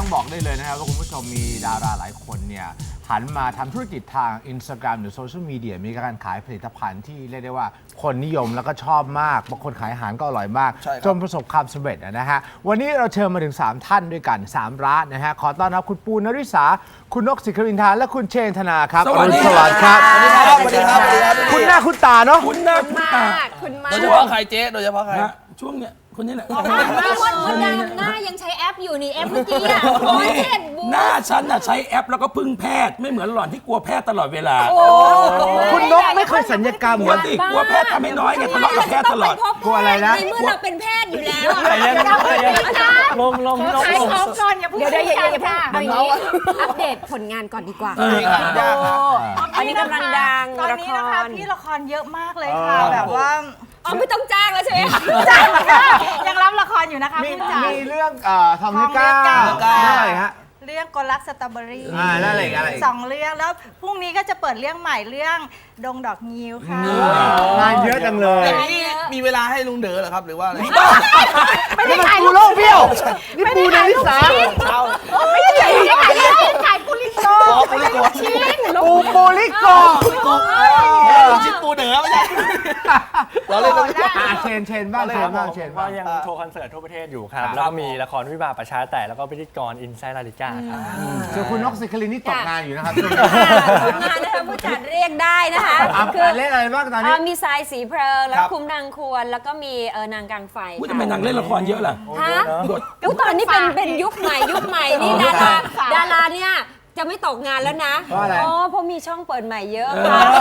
ต้องบอกได้เลยนะครับว่าคุณผู้ชมมีดาราหลายคนเนี่ยหันมาทำธุรกิจทาง Instagram หรือโซเชียลมีเดียมีการขายผลิตภัณฑ์ที่เรียกได้ว่าคนนิยมแล้วก็ชอบมากบางคนขายอาหารก็อร่อยมากจนประสบความสำเร็จนะฮะวันนี้เราเชิญมาถึง3ท่านด้วยกัน3ร้านนะฮะขอต้อนรับคุณปูนริษาคุณนกศิครินทร์และคุณเชนธนาครับสวัสดีครับสวัสดีครับสวัสดีครับคุณหน้าคุณตาเนาะคุณหน้าคุณตาคุณมากโดยเฉพาะใครเจ๊โดยเฉพาะใครช่วงเนี้ยคนนี้แหละคนดังหน้ายังใช้แอปอยู่นี่แอปเมื่อกี้อ่ะหน้าฉันน่ะใช้แอปแล้วก็พึ่งแพทย์ไม่เหมือนหล่อนที่กลัวแพทย์ตลอดเวลาคุณนกไม่เคยสัญญกรรมกลัวสิกลัวแพทย์ทำให้น้อยไงทะเลาะกับแพทย์ตลอดกลัวอะไรนะในเมื่อเราเป็นแพทย์อยู่แล้วลงขายของก่อนอย่าพูดเดี๋ยวอย่าพูดเอาอย่างนี้อัปเดตผลงานก่อนดีกว่าอันนี้กำลังดังตอนนี้นะคะพี่ละครเยอะมากเลยค่ะแบบว่าไม่ต้องจ้างแล้วใช่ไหมยังรับละครอยู่นะคะผู้จัดมีเรื่องทองเนื้อก้าวอะไรฮะเรื่องกลรักสตรอเบอรี่แล้วอะไร 2เรื่องแล้วพรุ่งนี้ก็จะเปิดเรื่องใหม่เรื่องดงดอกงิ้วค่ะงานเยอะจังเลยนี่มีเวลาให้ลุงเด๋อเหรอครับหรือว่าอะไรไม่ได้ขายปูโลกเบี้ยวนี่ปูนริษาไม่ได้ขายปูลิโกปูลิโกชิ้นปูเด๋อไม่ใช่เราเล่นเชนบ้างก็ยังโชว์คอนเสิร์ตทั่วประเทศอยู่ครับแล้วก็มีละครวิบากประชาแต่แล้วก็พิธีกรอินไซด์ลาลิก้าครับส่วนคุณนกศิครินนี่ตกงานอยู่นะครับงานนะคะผู้จัดเรียกได้นะคะคือเล่นอะไรบ้างตอนนี้มีทรายสีเพลิงแล้วคุมนางควรแล้วก็มีนางกลางไฟทำไมนางเล่นละครเยอะล่ะตอนนี้เป็นยุคใหม่นี่ดาราเนี่ยจะไม่ตกงานแล้วนะเพราะมีช่องเปิดใหม่เยอะ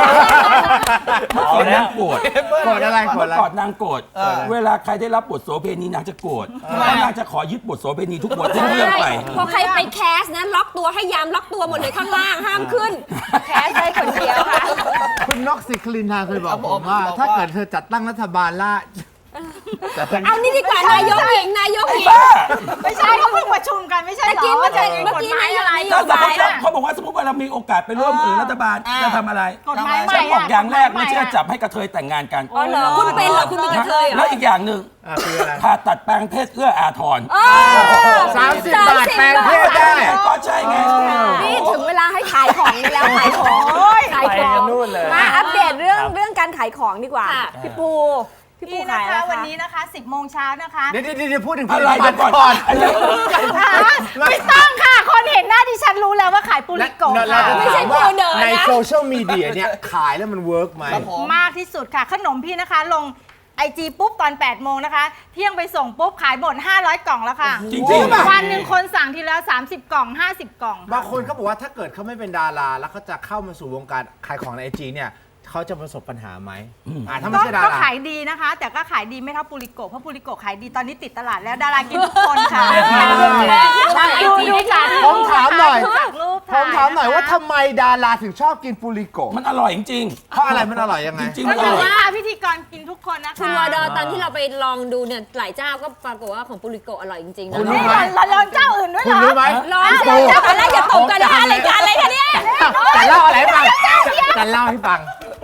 ก่อนนางโกรธอะไรก่อนนางโกรธเวลาใครได้รับบทโสเภณีนางจะโกรธนางจะขอยึดบทโสเภณีทุกบททุกเรื่องไปพอใครไปแคสนะล็อกตัวให้ยามล็อกตัวหมดเลยข้างล่างห้ามขึ้นแคสได้คนเดียวค่ะคุณนกศิครินทร์เคยบอกผมว่าถ้าเกิดเธอจัดตั้งรัฐบาลล่ะเอานี่ดีกว่านายกหญิงไม่ใช่เขาเพิ่งประชุมกันไม่ใช่หรอเมื่อกี้นายกเขาบอกว่าสมมติว่าเรามีโอกาสไปร่วมรัฐบาลจะทำอะไรกฎหมายใหม่ฉันบอกอย่างแรกไม่เชื่อจับให้กระเทยแต่งงานกันอ๋อเหรอคุณเป็นเหรอคุณเป็นกระเทยเหรอแล้วอีกอย่างหนึ่งผ่าตัดแปลงเพศเอื้ออาทร 30 บาทแปลงเพศได้ก็ใช่ไงนี่ถึงเวลาให้ขายของแล้วขายของมาอัปเดตเรื่องการขายของดีกว่าพี่ปูนะคะวันนี้นะคะ10 โมงเช้านะคะเดี๋ยวพูดถึงอะไรก่อนไม่ต้องค่ะคนเห็นหน้าดิฉันรู้แล้วว่าขายปูริโกะไม่ใช่ปูเดอร์ในโซเชียลมีเดียเนี่ยขายแล้วมันเวิร์กไหมมากที่สุดค่ะขนมพี่นะคะลงIG ปุ๊บตอน8 โมงนะคะเที่ยงไปส่งปุ๊บขายหมด500 กล่องแล้วค่ะจริงๆวันหนึ่งคนสั่งทีละ30 กล่อง50 กล่องบางคนเขาบอกว่าถ้าเกิดเขาไม่เป็นดาราแล้วเขาจะเข้ามาสู่วงการขายของใน IG เนี่ยเขาจะประสบปัญหาไหมถ้าไม่ใช่ดาราก็ขายดีนะคะแต่ก็ขายดีไม่เท่าปูริโกะเพราะปูริโกะขายดีตอนนี้ติดตลาดแล้วดารากินทุกคนค่ะดูจากผมถามหน่อยว่าทำไมดาราถึงชอบกินปูริโกะมันอร่อยจริงๆเพราะอะไรมันอร่อยยังไงจริงๆมันอร่อยพิธีกรกินทุกคนนะคะคุณวอดอตอนที่เราไปลองดูเนี่ยหลายเจ้าก็ปรากฏว่าของปูริโกะอร่อยจริงๆนะนี่ลองเจ้าอื่นด้วยเหรอคุณรู้ไหมลองเจ้าอะไรอย่าตกกันนะคะรายการอะไรคะเนี่ยแต่เล่าอะไรให้ฟังแต่เล่าให้ฟัง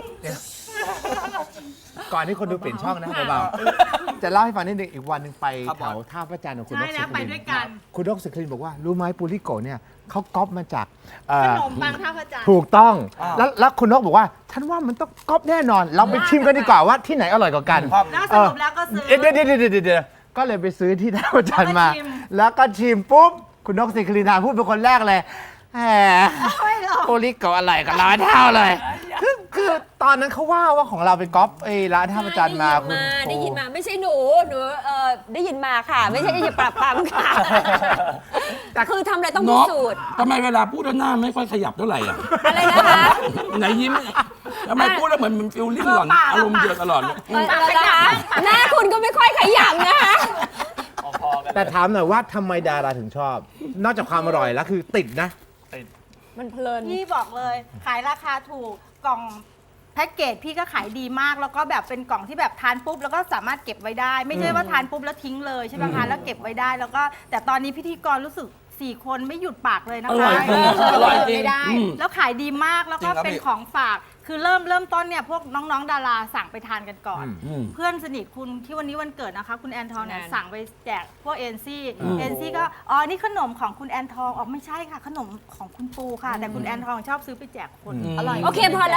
ก่อนที่คนดูเปลี่ยนช่องนะเบาๆจะเล่าให้ฟังนิดนึงอีกวันหนึ่งไปแถวท่าพระจันทร์ของคุณนกศิครินคุณนกศิครินบอกว่ารู้ไหมปูริโกะเนี่ยเขาก๊อปมาจากขนมปังท่าพระจันทร์ถูกต้องแล้วคุณนกบอกว่าฉันว่ามันต้องก๊อปแน่นอนเราไปชิมกันดีกว่าว่าที่ไหนอร่อยกว่ากันแล้วสรุปแล้วก็ซื้อเดี๋ยวก็เลยไปซื้อที่ท่าพระจันทร์มาแล้วก็ชิมปุ๊บคุณนกศิครินพูดเป็นคนแรกเลยแหมปูริโกะอร่อยกว่าร้านเท่าเลยคือตอนนั้นเขาว่าของเราเป็นก๊อปร้านท่าพระจันทร์มาคุณได้ยินมาไม่ใช่หนูได้ยินมาค่ะไม่ใช่อย่าปรับปรามค่ะแต่คือทำอะไรต้องพิสูจน์ทำไมเวลาพูดแล้วหน้าไม่ค่อยขยับเท่าไหร่อ่ะอะไรนะคะไหนยิ้มทำไมพูดแล้วเหมือนมันฟิลลิ่งหล่อนอารมณ์เยอะตลอดเลยหน้าคุณก็ไม่ค่อยขยับนะคะแต่ถามหน่อยว่าทำไมดาราถึงชอบนอกจากความอร่อยแล้วคือติดนะมันเพลินพี่บอกเลยขายราคาถูกกล่องแพ็กเกจพี่ก็ขายดีมากแล้วก็แบบเป็นกล่องที่แบบทานปุ๊บแล้วก็สามารถเก็บไว้ได้ไม่ใช่ว่าทานปุ๊บแล้วทิ้งเลยใช่ไหมคะแล้วเก็บไว้ได้แล้วก็แต่ตอนนี้พิธีกรรู้สึก4 คนไม่หยุดปากเลยนะคะอร่อยจริงแล้วขายดีมากแล้วก็เป็นของฝากคือเริ่มต้นเนี่ยพวกน้องๆดาราสั่งไปทานกันก่อน เพื่อนสนิทคุณที่วันนี้วันเกิดนะคะคุณแอนทองเนี่ยสั่งไปแจกพวกเอ็นซี่ก็อ๋อนี่ขนมของคุณแอนทองอ๋อไม่ใช่ค่ะขนมของคุณปูค่ะ แต่คุณแอนทองชอบซื้อไปแจกคนอร่อยโอเคพอแล้ว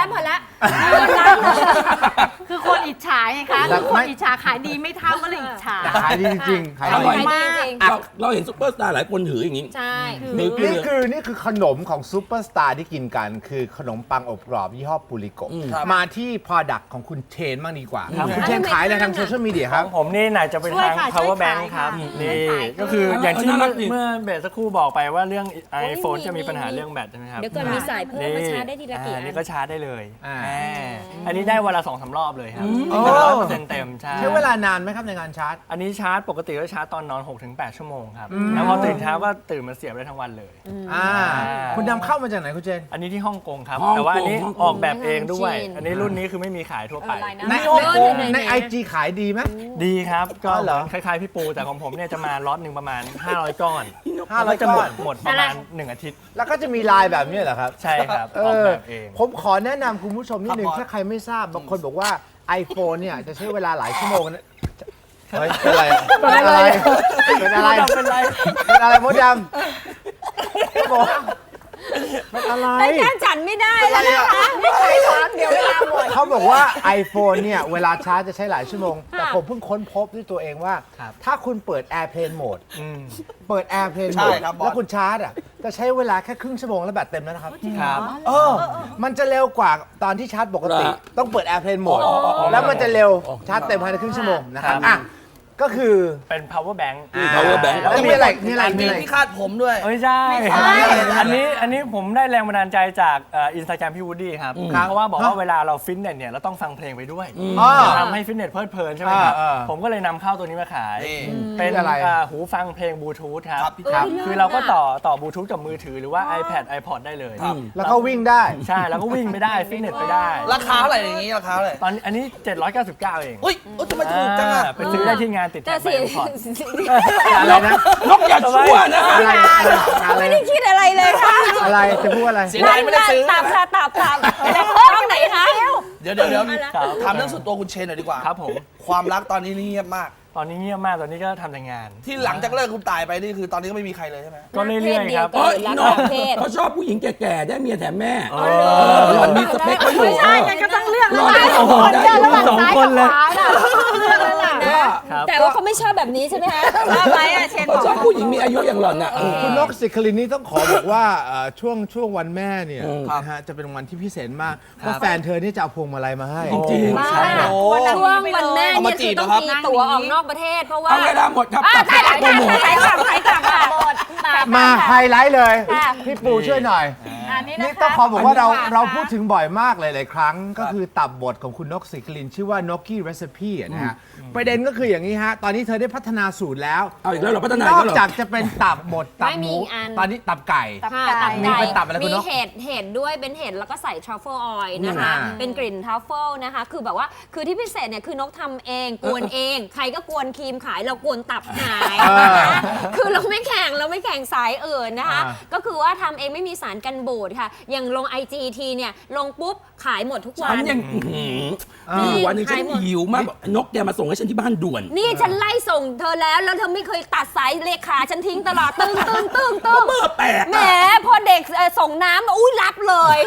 คือคนอิจฉาไงคะคือคนอิจฉาขายดีไม่เท่าก็เลยอิจฉาแต่ขายดีจริงๆขายอดีร่อยมากจริงเราเห็นซุปเปอร์สตาร์หลายคนถืออย่างนี้ใช่นี่คือนี่คือขนมของซูเปอร์สตาร์ที่กินกันคือขนมปังอบกรอบยี่ห้อปูริโกะมาที่ Product ของคุณเชนบ้างดีกว่าคุณเชนขายอะไรทางโซเชียลมีเดียครับผมนี่ไหนจะเป็นทาง power bank ครับนี่ก็คืออย่างที่เมื่อเบสสักครู่บอกไปว่าเรื่อง iPhone จะมีปัญหาเรื่องแบตใช่ไหมครับเดี๋ยวก่อนมีสายเพิ่มมาชาร์จได้ทีละกี่อันนี่ก็ชาร์จได้เลยอ่าอันนี้ได้วันละ 2-3 รอบเลยครับโอ้ 100%เต็มใช่ใช้เวลานานไหมครับในการชาร์จอันนี้ชาร์จปกติก็ชาร์จตอนนอน 6-8 ชั่วโมงครับแล้วพอตื่นเช้าก็ตื่นมาเสียบได้ทั้งวันเลยคุณนำเข้ามาจากไหนคุณเจนอันนี้ที่ฮ่องกงครับฮ่องกงแต่ว่าอันนี้ฮ่องกงออกแบบเองด้วยจีนอันนี้รุ่นนี้คือไม่มีขายทั่วไปใน IG ขายดีไหมดีครับ ก็อ๋อเหรอคล้ายๆพี่ปูแต่ของผมเนี่ยจะมาล็อตหนึ่งประมาณ 500 ก้อน 500 แล้วจะหมก้อดนหมดประมาณ 1 อาทิตย์แล้วก็จะมีลายแบบนี้เหรอครับใช่ครับเอออกอแบบเองผมขอแนะนำคุณผู้ชมนิดนึงถ้าใครไม่ทราบบางคนบอกว่า iPhone เนี่ยจะใช้เวลาหลายชั่วโมงนะเฮ้ยเป็นอะไรเป็นอะไรเป็นอะไรเป็นไรเป็นอะไรมดดำบอกเป็นอะไรไปแจ้งจันไม่ได้แล้วนะคะไม่เคยถามเดี๋ยวเวลาหมดเขาบอกว่า iPhone เนี่ยเวลาชาร์จจะใช้หลายชั่วโมง แต่ผมเพิ่งค้นพบด้วยตัวเองว่า ถ้าคุณเปิด Airplane Mode เปิด Airplane ใช่ Mode ครับบอสแล้วคุณชาร์จอ่ะจะใช้เวลาแค่ครึ่งชั่วโมงแล้วแบตเต็มแล้วนะครับครับมันจะเร็วกว่าตอนที่ชาร์จปกติ ต้องเปิด Airplane Mode แล้วมันจะเร็วชาร์จเต็มภายในครึ่งชั่วโมงนะครับอ่ะก็คือเป็น power bank power bank แล้วมีอะไรมีอะไรมีมีอะไรที่คาดผมด้วยไม่ใช่ อันนี้ผมได้แรงบันดาลใจจากอินสตาแกรมพี่วูดดี้ครับ เพราะว่าบอกว่าเวลาเราฟิตเนสเนี่ยเราต้องฟังเพลงไปด้วยทำให้ฟิตเนสเพลิดเพลินใช่ไหมครับ ผมก็เลยนำเข้าตัวนี้มาขายนี่เป็นหูฟังเพลงบลูทูธครับครับคือเราก็ต่อบลูทูธกับมือถือหรือว่า iPad iPod ได้เลยแล้วก็วิ่งได้ใช่ แล้วก็วิ่งไปได้ ฟิตเนสไปได้ราคาเท่าไหร่อย่างนี้ราคาเท่าไหร่ตอนนี้อันนี้ 799 เองอุ้ยทำไมถูกจังอ่ะไปซื้อได้ที่งานติดแต่แท็กสิไบคอนอะไรนะนกอย่าชั่วนะอะไรอะไรไม่ได้คิดอะไรเลยค่ะอะไรจะพูดอะไรเสียดายไม่ได้ซื้อตับค่ะตับแต่เพิ่มไหนคะเดี๋ยวถามเรื่องส่วนตัวคุณเชนหน่อยดีกว่าครับผมความรักตอนนี้เงียบมากตอนนี้เงียบมาก ตอนนี้ก็ทำแต่งานที่หลังจากเลิกคุณตายไปนี่คือตอนนี้ก็ไม่มีใครเลยใช่ไหมก็เรื่อยๆครับเออนกเขาชอบผู้หญิงแก่ๆ ได้เมียแถมแม่หล่อนมีสเปคเขาอยู่ไม่ใช่ไงก็ต้องเลือกหล่อนแล้วโอ้โหได้อยู่ระหว่างสองซ้ายคกัน บเลยขวาน่ะเลือกแล้วล่ะครับแต่ว่าเขาไม่ชอบแบบนี้ใช่ไหมคะว่าไหมอะเชนบเขาอกชอบผู้หญิงมีอายุอย่างหล่อนน่ะคุณนกสิคลินนี่ต้องขอบอกว่าช่วงวันแม่เนี่ยนะฮะจะเป็นวันที่พิเศษมากเพราะแฟนเธอนี่จะเอาพวงมาลัยมาให้จริงๆบ้าใช่ครับช่วงวันแม่เนี่ยคือต้องมีตั๋วออกนอกประเทศเพราะว่าเอาเวลาหมดครับอ่ะตัดได้โปรโมทขายกลับค่ะมาไฮไลท์เลยค่ะพี่ปูช่วยหน่อยอันนี้นี่นะคะต้องขอบอกว่าเราอันนี้เราพูดถึงบ่อยมากหลายๆครั้ง ก็คือตับบทของคุณนกสิคลินชื่อว่านกกี้เรซิปี้นะฮะประเด็นก็คืออย่างนี้ฮะ ตอนนี้เธอได้พัฒนาสูตรแล้วเอาอีกแล้วเหรอพัฒนานอีอกแล้วเหรอจากจะเป็นตับบดตับไม่หมีมูอีกอันตอนนี้ตับไก่ค่ะตัตับบ ไก่ไก่เป็นตับอะไรคุณมีนกเห็ดด้วยเป็นเห็ดแล้วก็ใส่ทรัฟเฟิลออยล์นะคะอ่าเป็นกลิ่นทรัฟเฟิลนะคะ คือแบบว่าคือที่พิเศษเนี่ยคือนกทำเองกวนเอง ใครก็กวนครีมขายเรากวนตับขายนะคะคือเราไม่แข่งสายอื่นนะคะ ก็คือว่าทำเองไม่มีสารกันบูดค่ะ อย่างลง IGT เนี่ยลงปุ๊บขายหมดทุกวัฉันนยังมีวันหนึงฉันหิวมากบอกนกแกมาส่งให้ฉันที่บ้านด่วนนี่ฉันไล่ส่งเธอแล้วเธอไม่เคยตัดสายเลขาฉันทิ้งตลอดตึ้งเบอร์แปลกแหมพอเด็กส่งน้ำอุ้ยรับเลย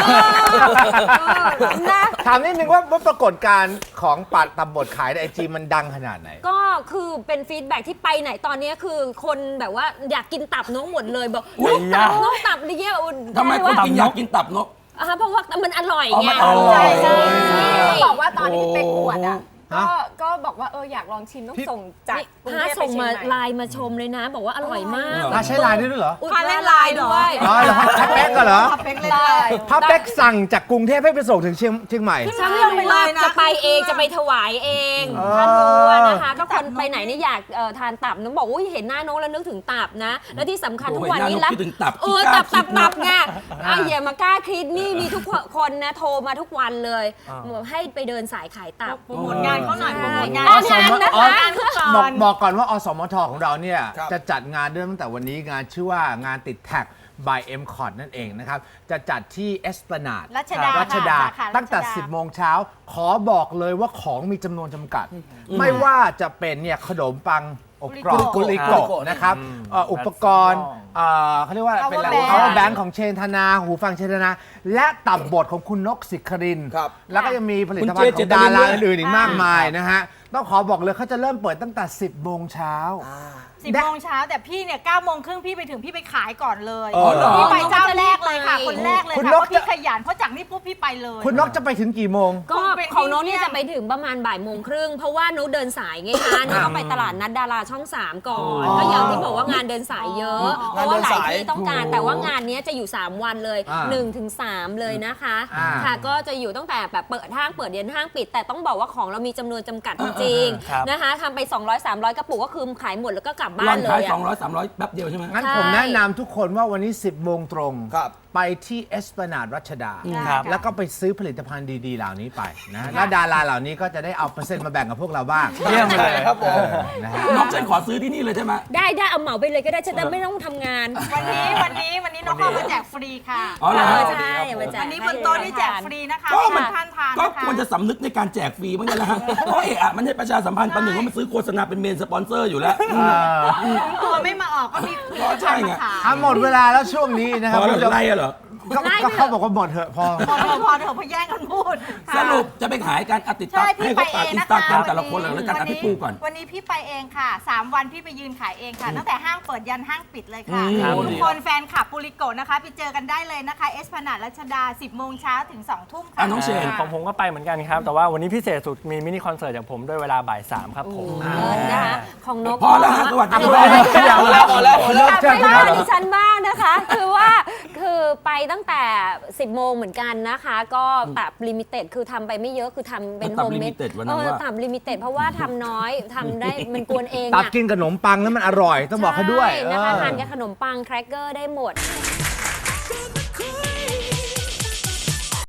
นะถามนิดนึงว่าปรากฏการณ์ของปัดตับบดขายในไอจีมันดังขนาดไหนก็คือเป็นฟีดแบ็กที่ไปไหนตอนนี้คือคนแบบว่าอยากกินตับนกหมดเลยบอกนกตับนี่เยอะทำไมคนกินอยากกินตับนกเพราะว่ามันอร่อยไงอ๋อมันอร่อยใช่บอกว่าตอนที่พี่เป๊กปวดอ่ะฮะก็บอกว่าอยากลองชิมต้องส่งจากกรุงถ้าเทพไปส่งเชียงมาใหม่ไลน์มาชมเลยนะ บอกว่าอร่อยมากใช้ไลน์ด้วยเหรอพาเล่นไลน์ด้วยอ๋อเหรอพับเป๊กก็เหรอพับเป๊กเลยพับเป๊กสั่งจากกรุงเทพให้ไปส่งถึงเชียงใหม่ฉันลงไปเลยนะจะไปเองจะไปถวายเองถ้ารู้นะคะก็คนไปไหนนี่อยากทานตับน้องบอกว่าเห็นหน้าน้องแล้วนึกถึงตับนะ แล้วที่สำคัญทุกวันนี้โอ้ยหน้าน้องคิดถึงตับตับไงอย่ามากล้าคิดนี่มีทุกคนนะโทรมาทุกวันเลยให้ไปเดินสายขายตับโปรโมทงานเขาหน่อยโปรโมทงานงานนะคะบอกก่อนว่าอสมทของเราเนี่ยครับจะจัดงานเริ่มตั้งแต่วันนี้งานชื่อว่างานติดแท็ก by M c o t นั่นเองนะครับ จะจัดที่เอส a ล a d รัชดารัชดาค่ะสาขารัชดาตั้งแต่ 10 โมงเช้า ขอบอกเลยว่าของมีจำนวนจำกัด ไม่ว่าจะเป็นเนี่ยขนมปังอบกรอบกุกุลิลิโกะโกะนะครับอุปกรณ์เขาเรียกว่าเป็นอะไร Power power bank bank ของเชนธนา หูฟังเชนธนา และตับบทของคุณนกสิครินทร์ครับแล้วก็ยังมีผลิตภัณฑ์ของดาราอื่นๆอีกมากมายนะฮะ ต้องขอบอกเลยเขาจะเริ่มเปิดตั้งแต่ 10 โมงเช้า 10 โมงเช้าแต่พี่เนี่ย9 โมงครึ่งพี่ไปถึงพี่ไปขายก่อนเลยอ๋อเหรอพี่ไปเจ้าแรกเลยค่ะ คนแรกเลยคุณค่ะนเพกราะพี่ขยันเพราะจากนี้ปุ๊บพี่ไปเลยคุณนกจะไปถึงกี่โมงก็ของโน้ตเนี่ยจะไปถึงประมาณบ่ายโมงครึ่งเพราะว่าโน้ตเดินสายไงคะโน้ตต้องไปตลาดนัดดาราช่อง 3 ก่อน ก็อย่างที่บอกว่างานเดินสายเยอะ เพราะว่าหลายที่ต้องการแต่ว่างานนี้จะอยู่ 3 วันเลย 1-3 เลยนะคะ ค่ะก็จะอยู่ตั้งแต่แบบเปิดห้างเปิดเย็นห้างปิด แต่ต้องบอกว่าของเรามีจำนวนจำกัดจริงครับๆนะคะทำไป 200-300 กระปุกก็คือขายหมดแล้วก็กลับบ้าวัน นเลขายยอะ 200-300 แป๊บเดียวใช่ไหมงั้นใช่ผมแนะนำทุกคนว่าวันนี้ 10 โมงตรงครับไปที่เอส a ล a d รัชดาครับแล้วก็ไปซื้อผลิตภัณฑ์ดีๆ เหล่านี้ไปนะแล้วดาราเหล่านี้ก็จะได้เอาเปอร์เซ็นต์มาแบ่งกับพวกเราบ้างเยี่ยมเลยครับผมนะฮะน้องฉันขอซื้อที่นี่เลยใช่ไหมได้เอาเหมาไปเลยก็ได้จะได้ไม่ต้องทำงานวันนี้น้องเข้ามาแจกฟรีค่ะอ๋อเหรอใช่มาแจกวันนี้บนโต๊ะนี่แจกฟรีนะคะก็ให้มันท่านทานก็นะคะควรจะสำนึกในการแจกฟรีบ้างนะฮะเพราะมันให้ประชาสัมพันธ์ประหนึ่งว่ามันซื้อโฆษณาเป็นเมนสปอนเซอร์อยู่แล้วตัวไม่มาออกก็มีก็ใช่ไงมาขายหมดเวลาแล้วช่วงนี้นะคพรับอเราไล่อะเหรอก็เขาบอกว่าหมดเถอะพอพอเถอะพอแย่งกันพูดสรุปจะไปขายการติดตามใช่พี่ให้ไปเขาเอฝากงอินนะสตาคะแกรมแต่ละคนเลยแล้วกันพี่ปูก่อนวันนี้พี่ไปเองค่ะ 3 วันพี่ไปยืนขายเองค่ะ ตั้งแต่ห้างเปิดยันห้างปิดเลยค่ะครับทุกคนแฟนคลับปุริโกะนะคะไปเจอกันได้เลยนะคะเอสพนาดรัชดา 10 โมงเช้าถึง 2 ทุ่มค่ะน้องเชนของผมก็ไปเหมือนกันครับ แต่ว่าวันนี้พิเศษสุดมีมินิคอนเสิร์ตจากผมด้วยเวลาบ่าย 3 ครับผมเลิศนะคะของนกพอแล้วฮะสวัสดีพอแล้วไปบ้านดิฉันบ้างนะคะ คือไปตั้งแต่ 10 โมงเหมือนกันนะคะ ก็ตับลิมิเต็ดคือทำไปไม่เยอะคือทำเป็นโฮมเมด limited วันนั้นว่าตับลิมิเต็ดเพราะว่าทำน้อยทำได้มันกวนเองตับอะกินขนมปังแล้วมันอร่อย ต้องบอกเขาด้วยใช่นะคะทานกับขนมปังแครกเกอร์ได้หมด Good